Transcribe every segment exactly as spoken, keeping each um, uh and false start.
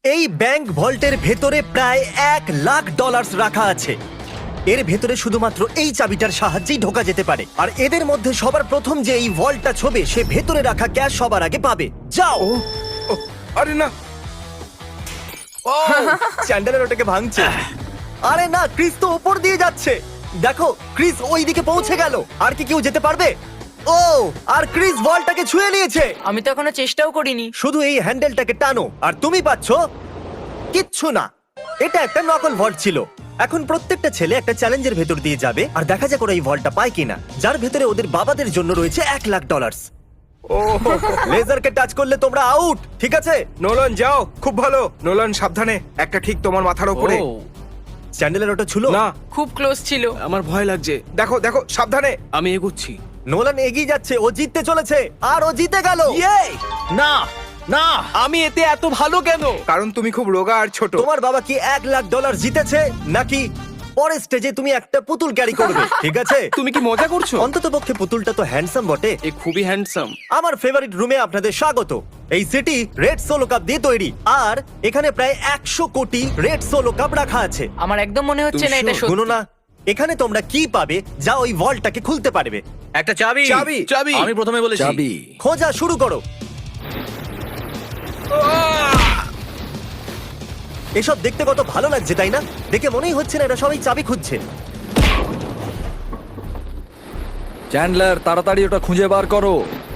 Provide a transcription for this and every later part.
এই ব্যাংক ভল্টের ভেতরে প্রায় এক লাখ ডলার রাখা আছে। এর ভেতরে শুধুমাত্র এই চাবিটার সাহায্যেই ঢোকা যেতে পারে। আর এদের মধ্যে সবার প্রথম যে এই ভল্টটা ছোবে সে ভেতরে রাখা ক্যাশ সবার আগে পাবে। যাও। ও, আরে না। ও চ্যান্ডেলার ওটাকে ভাঙছে। আরে না, ক্রিস তো উপর দিয়ে যাচ্ছে। দেখো ক্রিস ওই দিকে পৌঁছে গেল। আর কি কেউ যেতে পারবে? ও, আর ক্রিস বলটাকে ছুঁয়ে নিয়েছে। আমি তো এখনো চেষ্টাও করিনি। শুধু এই হ্যান্ডেলটাকে টানো আর তুমি পাচ্ছো কিচ্ছু না। এটা একটা নকল ভল্ট ছিল। এখন প্রত্যেকটা ছেলে একটা চ্যালেঞ্জের ভেতর দিয়ে যাবে আর দেখা যাক ওরা এই ভল্টটা পায় কিনা, যার ভেতরে ওদের বাবাদের জন্য রয়েছে এক লাখ ডলার। ও লেজারকে টাচ করলে তোমরা আউট, ঠিক আছে? নোলান যাও, খুব ভালো। নোলান সাবধানে, একটা ঠিক তোমার মাথার উপরে। ও, চ্যান্ডেলের ওটা ছিল না, খুব ক্লোজ ছিল। আমার ভয় লাগছে। দেখো দেখো সাবধানে। আমি এগোচ্ছি। নোলান এগিয়ে যাচ্ছে, ও জিততে চলেছে আর ও জিতে গেল। না না, আমি এতে এত ভালো কেন? কারণ তুমি খুব রোগা আর ছোট। তোমার বাবা কি এক লাখ ডলার জিতেছে নাকি পরের স্টেজে তুমি একটা পুতুল ক্যারি করবে? ঠিক আছে, তুমি কি মজা করছো? অন্তত পক্ষে পুতুলটা তো হ্যান্ডসাম বটে। এ খুবই হ্যান্ডসাম। আমার ফেভারিট রুমে আপনাদের স্বাগত। এই সিটি রেড সোলো কাপ দিয়ে তৈরি আর এখানে প্রায় একশো কোটি রেড সোলো কাপ রাখা আছে। আমার একদম মনে হচ্ছে না এটা তুমি সত্যি। শুনো না, এখানে তোমরা কি পাবে যা ওই ভল্টটাকে খুলতে পারবে? একটা চাবি। চাবি। চাবি। আমি প্রথমে বলেছি চাবি। খোঁজা শুরু করো। এসব দেখতে কত ভালো লাগছে তাই না? দেখে মনেই হচ্ছে না এরা সবাই চাবি খুঁজছে। চ্যান্ডলার, তাড়াতাড়ি ওটা খুঁজে বার করো।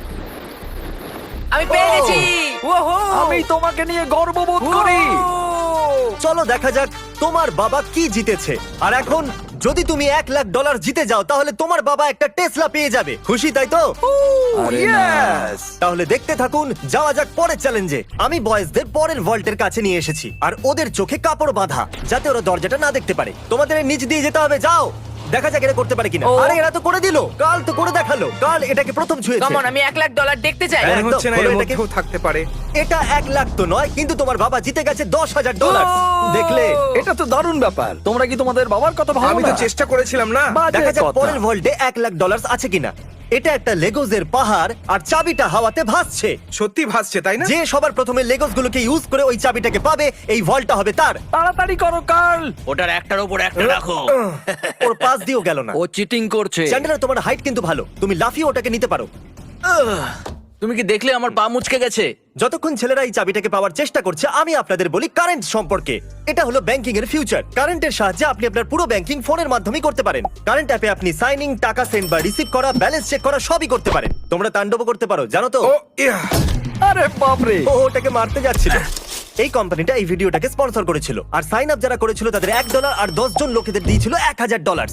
আমি পেয়ে গেছি। ওহো! আমি তোমাকে নিয়ে গর্ববোধ করি। চলো দেখা যাক তোমার বাবা কি জিতেছে। আর এখন যদি তুমি এক লাখ ডলার জিতে যাও তাহলে তোমার বাবা একটা টেসলা পেয়ে যাবে। খুশি তাই তো? আরে না। Yes! তাহলে দেখতে থাকুন, যাওয়া যাক পরের চ্যালেঞ্জে। আমি বয়েজদের পরের ভল্টের কাছে নিয়ে এসেছি আর ওদের চোখে কাপড় বাঁধা যাতে ওরা দরজাটা না দেখতে পারে। তোমাদের এর নিচ দিয়ে যেতে হবে, যাও। দেখা যাক এরা করতে পারে কিনা। ও। আরে এরা তো করে দিল। কাল তো করে দেখালো। কাল এটাকে প্রথম ছুঁয়েছে। কামন, আমি এক লাখ ডলার দেখতে চাই। হ্যাঁ। মনে হচ্ছে না খোলো এর এটাকে। মধ্যেও থাকতে পারে। এটা এক লাখ তো নয়, কিন্তু তোমার বাবা জিতে গেছে দশ হাজার ডলার। দেখলে? এটা তো দারুণ ব্যাপার। তোমরা কি তোমাদের বাবার কথা ভাবো আমি তো না? চেষ্টা করেছিলাম না। বাজে দেখা যাক কথা। পরের ভল্টে এক লাখ ডলার আছে কিনা। এটা একটা লেগোজের পাহাড় আর চাবিটা হাওয়াতে ভাসছে। সত্যি ভাসছে তাই না? যে সবার প্রথমে লেগোস গুলোকে ইউজ করে ওই চাবিটাকে পাবে, এই ভল্টটা হবে তার। তাড়াতাড়ি করো কার্ল। ওটার একটার উপর একটা রাখো। ওর পাশ দিয়েও গেল না। ও চিটিং করছে। চ্যান্ডেলার, তোমার হাইট কিন্তু ভালো, তুমি লাফিয়ে ওটাকে নিতে পারো। তুমি কি দেখলে আমার পা মুচকে গেছে? যতক্ষণ ছেলেরা এই চাবিটাকে পাওয়ার চেষ্টা করছে, আমি আপনাদের বলি কারেন্ট সম্পর্কে। এটা হলো ব্যাংকিং এর ফিউচার। কারেন্টের সাহায্যে আপনি আপনার পুরো ব্যাংকিং ফোনের মাধ্যমে করতে পারেন। কারেন্ট অ্যাপে আপনি সাইনিং, টাকা সেন্ড বা রিসিভ করা, ব্যালেন্স চেক করা সবই করতে পারেন। তোমরা তাণ্ডব করতে পারো, জানো তো? ও ইয়া। আরে বাপরে। ও ওটাকে মারতে যাচ্ছিল। এই কোম্পানিটা এই ভিডিওটাকে স্পন্সর করেছিল আর সাইন আপ যারা করেছিল তাদের এক ডলার আর দশ জন লোকেদের দিয়েছিল এক হাজার ডলার।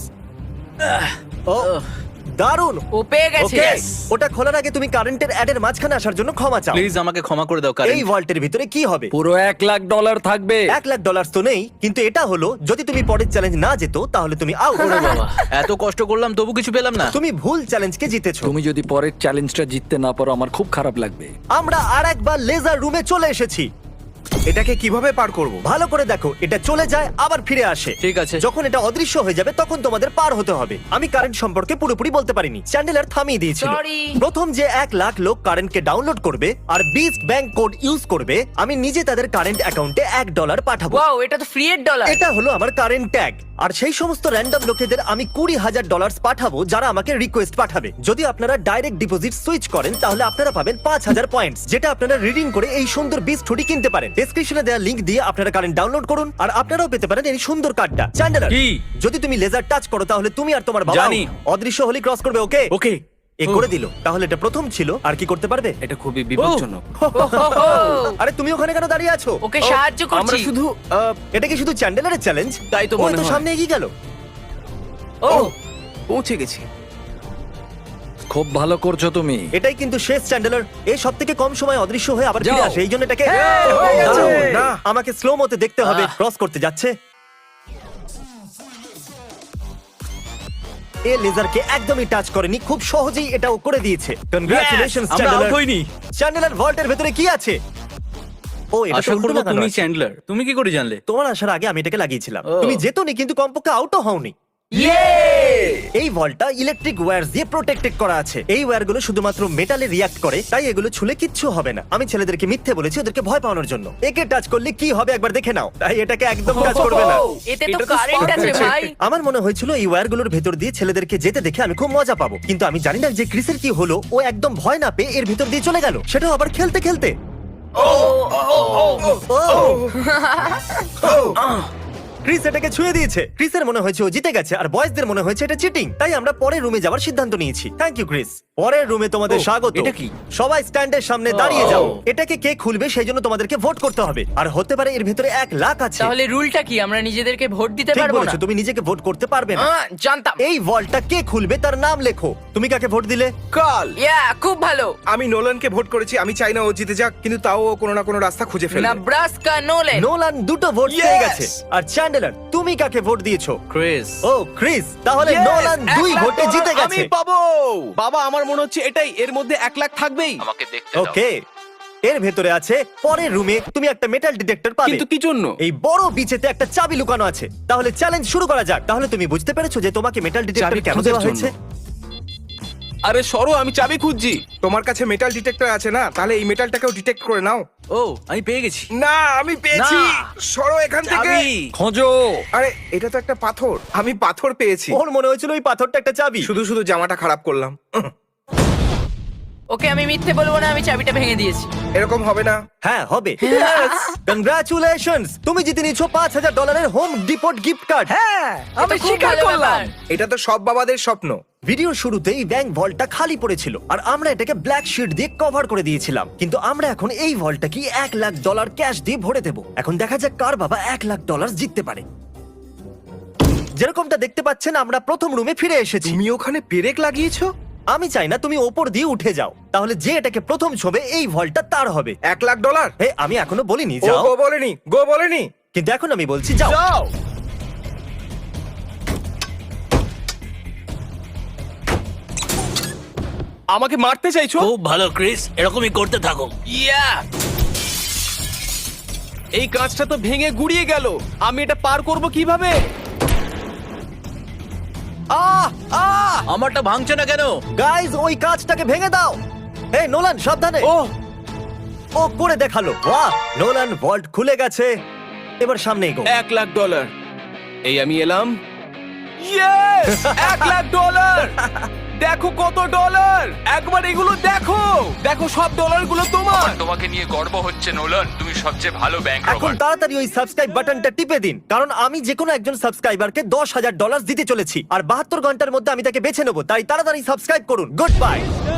ও দারুণ। ও পেয়ে গেছে। ওকে, ওটা খোলার আগে তুমি কারেন্টের অ্যাডের মাঝখানে আসার জন্য ক্ষমা চাও। প্লিজ আমাকে ক্ষমা করে দাও এই কারণ ভল্টের ভিতরে কি হবে? পুরো এক লাখ ডলার থাকবে। এক লাখ ডলার তো নেই, কিন্তু এটা হলো যদি তুমি পরের চ্যালেঞ্জ না যেত তাহলে তুমি আউট। বাবা এত কষ্ট করলাম তবু কিছু পেলাম না। তুমি ভুল চ্যালেঞ্জকে জিতেছো। তুমি যদি পরের চ্যালেঞ্জটা জিততে না পারো আমার খুব খারাপ লাগবে। আমরা আর একবার লেজার রুমে চলে এসেছি। এটাকে কিভাবে পার করব? ভালো করে দেখো, এটা চলে যায় আবার ফিরে আসে। ঠিক আছে। যখন এটা অদৃশ্য হয়ে যাবে তখন তোমাদের পার হতে হবে। আমি কারেন্ট সম্পর্কে পুরোপুরি বলতে পারিনি, চ্যান্ডেলার থামিয়ে দিয়েছিল। Sorry. প্রথম যে এক লাখ লোক কারেন্টকে ডাউনলোড করবে আর বিস্ট ব্যাংক কোড ইউজ করবে, আমি নিজে তাদের কারেন্ট অ্যাকাউন্টে এক ডলার পাঠাবো। ওয়াও, এটা তো ফ্রি এর ডলার। এটা হলো আমার কারেন্ট ট্যাগ। আর সেই সমস্ত র্যান্ডম লোকেদের আমি কুড়ি হাজার ডলার পাঠাবো যারা আমাকে রিকোয়েস্ট পাঠাবে। যদি আপনারা ডাইরেক্ট ডিপোজিট সুইচ করেন তাহলে আপনারা পাবেন পাঁচ হাজার পয়েন্টস, যেটা আপনারা রিডিং করে এই সুন্দর বিস্ট হুডি কিনতে পারেন। ডেসক্রিপশনে দেওয়া লিংক দিয়ে আপনারা কারেন্ট ডাউনলোড করুন আর আপনারাও পেতে পারেন এই সুন্দর কার্ডটা। চ্যান্ডেলার, কি? যদি তুমি লেজার টাচ করো তাহলে তুমি আর তোমার বাবা জানি। অদৃশ্য হলি ক্রস করবে। ওকে ওকে। এ করে দিল। তাহলে এটা প্রথম ছিল, আর কি করতে পারবে? এটা খুবই বিপজ্জনক। আরে তুমি ওখানে কেন দাঁড়িয়ে আছো? ওকে সাহায্য আমরা করছি। শুধু আহ, এটা কি শুধু চ্যান্ডেলারের চ্যালেঞ্জ? তাই তো ও মনে হয়। সামনে এগিয়ে গেল। ও পৌঁছে গেছি। খুব ভালো করছো তুমি। এটাই কিন্তু শেষ চ্যান্ডেলার। এই সব থেকে কম সময় অদৃশ্য হয়ে আবার ফিরে যাও। আসে, এই জন্য এটাকে হয়ে গেছে। দারুণ। না। আমাকে স্লো মতে দেখতে হবে। ক্রস করতে যাচ্ছে। এ লেজারকে একদমই টাচ করেনি, খুব সহজেই এটাও করে দিয়েছে। কনগ্রাচুলেশনস আমরা চ্যান্ডেলার। আউট হইনি। চ্যান্ডেলার ভল্টের ভেতরে কি আছে? ও এটা তো আশা উল্টো করবো লাগানো তুমি আছে। চ্যান্ডলার। তুমি কি করে জানলে? তোমার আসার আগে আমি এটাকে লাগিয়েছিলাম। ও। তুমি যেতনি কিন্তু কমপক্ষে আউটও হওনি। এই ভলটা ইলেকট্রিক ওয়্যার দিয়ে প্রোটেক্টেড করা আছে। এই ওয়্যারগুলো শুধুমাত্র মেটালে রিয়াক্ট করে, তাই এগুলো ছুলে কিচ্ছু হবে না। আমি ছেলেদেরকে মিথ্যে বলেছি ওদেরকে ভয় পাওয়ানোর জন্য। একে টাচ করলে কি হবে একবার দেখে নাও, তাই এটাকে একদম কাজ করবে না। এতে তো এটা তো কারেন্ট spark আছে আছে। ভাই। আমার মনে হয়েছিল এই ওয়্যারগুলোর ভেতর দিয়ে ছেলেদেরকে যেতে দেখে আমি খুব মজা পাবো, কিন্তু আমি জানি না যে ক্রিসের কি হলো। ও একদম ভয় না পেয়ে এর ভেতর দিয়ে চলে গেল, সেটাও আবার খেলতে খেলতে। ক্রিস এটাকে ছুঁয়ে দিয়েছে। ক্রিসের মনে হয়েছে ও জিতে গেছে, আর বয়েজদের মনে হয়েছে এটা চিটিং। তাই আমরা পরের রুমে যাওয়ার সিদ্ধান্ত নিয়েছি। Thank you Chris. পরের রুমে তোমাদের ও, স্বাগত। এটা কি? সবাই স্ট্যান্ডের সামনে দাঁড়িয়ে ও। যাও। এটাকে কে খুলবে সেই জন্য তোমাদেরকে ভোট করতে হবে, আর হতে পারে এর ভেতরে এক লাখ আছে। তাহলে রুলটা কি? আমরা নিজেদেরকে ভোট দিতে ঠিক পারবো না? বলেছো, তুমি নিজেকে ভোট করতে পারবে না। আহ, জানতাম। এই ভল্টটা কে খুলবে তার নাম লেখো। তুমি কাকে ভোট দিলে? কাল ইয়া, খুব ভালো। আমি নোলানকে ভোট করেছি। আমি চাই না ও জিতে যাক, কিন্তু তাও ও কোনো না কোনো রাস্তা খুঁজে ফেলবে। Nebraska Nolan. নোলান দুটো ভোট Yes! পেয়ে গেছে। আর চ্যান্ডেলার, তুমি কাকে ভোট দিয়েছো? ক্রিস। ও ক্রিস, তাহলে Yes! নোলান দুই এক লাখ ভোটে ডলার জিতে আমি গেছে। পাবো। বাবা, আমার মনে হচ্ছে এটাই, এর মধ্যে এক লাখ থাকবেই। আমাকে দেখতে দাও। ওকে, এর ভেতরে আছে পরের রুমে তুমি একটা মেটাল ডিটেক্টর পাবে। কিন্তু কি জন্য? এই বড় বিচেতে একটা চাবি লুকানো আছে। তাহলে চ্যালেঞ্জ শুরু করা যাক। তাহলে তুমি বুঝতে পেরেছো যে তোমাকে মেটাল ডিটেক্টর চাবি কেন খোঁজার দেওয়া হয়েছে? জন্য। আরে সরো, আমি চাবি খুঁজছি। তোমার কাছে মেটাল ডিটেক্টর আছে না? তাহলে এই মেটালটাকেও ডিটেক্ট করে নাও। ও, আমি পেয়ে গেছি। না, আমি পেয়েছি। না। সরো এখান থেকে। চাবি। খোঁজো। আরে এটা তো একটা পাথর। আমি পাথর পেয়েছি। ওর মনে হয়েছিল ওই পাথরটা একটা চাবি। শুধু শুধু জামাটা খারাপ করলাম। উহ, ওকে, আমি মিথ্যে বলবো না, আমি চাবিটা ভেঙে দিয়েছি। এরকম হবে না। হ্যাঁ হবে। কনগ্রাচুলেশনস, তুমি জিতে নিয়েছো পাঁচ হাজার ডলারের হোম ডিপোর্ট গিফট কার্ড। হ্যাঁ, আমি এটা খুব স্বীকার ভালো করলাম। ব্যাপার। এটা তো সব বাবাদের স্বপ্ন। ভিডিও শুরুতেই ব্যাংক ভল্টটা খালি পড়েছিল, আর আমরা এটাকে ব্ল্যাক শিট দিয়ে কভার করে দিয়েছিলাম। কিন্তু আমরা এখন এই ভল্টটা কি এক লাখ ডলার ক্যাশ দিয়ে ভরে দেবো। এখন দেখা যাক কার বাবা এক লাখ ডলার জিততে পারে। যেরকমটা দেখতে পাচ্ছেন, আমরা প্রথম রুমে ফিরে এসেছি। তুমি ওখানে পেরেক লাগিয়েছো? আমি চাই না তুমি ওপর দিয়ে উঠে যাও, তাহলে যে এটাকে প্রথম ছবে এই ভল্টটা তার হবে। এক লাখ ডলার? হে, আমি এখনো বলিনি ও যাও, গো বলেনি, গো বলেনি। কিন্তু এখন আমি বলছি যাও। যাও। আমাকে মারতে চাইছো? খুব ভালো ক্রিস, এরকমই করতে থাকো। ইয়া! এই কাঁচটা তো ভেঙে গুড়িয়ে গেল। আমি এটা পার করব কিভাবে? আহ! আহ! আমারটা ভাঙছে না কেন? গাইজ, ওই কাঁচটাকে ভেঙে দাও। এই নোলান, সাবধানে। ও, ও করে দেখালো। বাহ, নোলান ভল্ট খুলে গেছে। এবার সামনে এগো। এক লাখ ডলার। এই আমি এলাম। ইয়েস! এক লাখ ডলার! দেখো কত ডলার! একবার এগুলো দেখো। দেখো, সব ডলারগুলো তোমার। তোমাকে নিয়ে গর্ব হচ্ছে নোলান, তুমি সবচেয়ে ভালো ব্যাংক এখন রবার। তাড়াতাড়ি ওই সাবস্ক্রাইব বাটনটা টিপে দিন, কারণ আমি যে কোনো একজন সাবস্ক্রাইবারকে দশ হাজার ডলার দিতে চলেছি, আর বাহাত্তর ঘন্টার মধ্যে আমি তাকে বেছে নেবো। তাই তাড়াতাড়ি সাবস্ক্রাইব করুন। Good bye.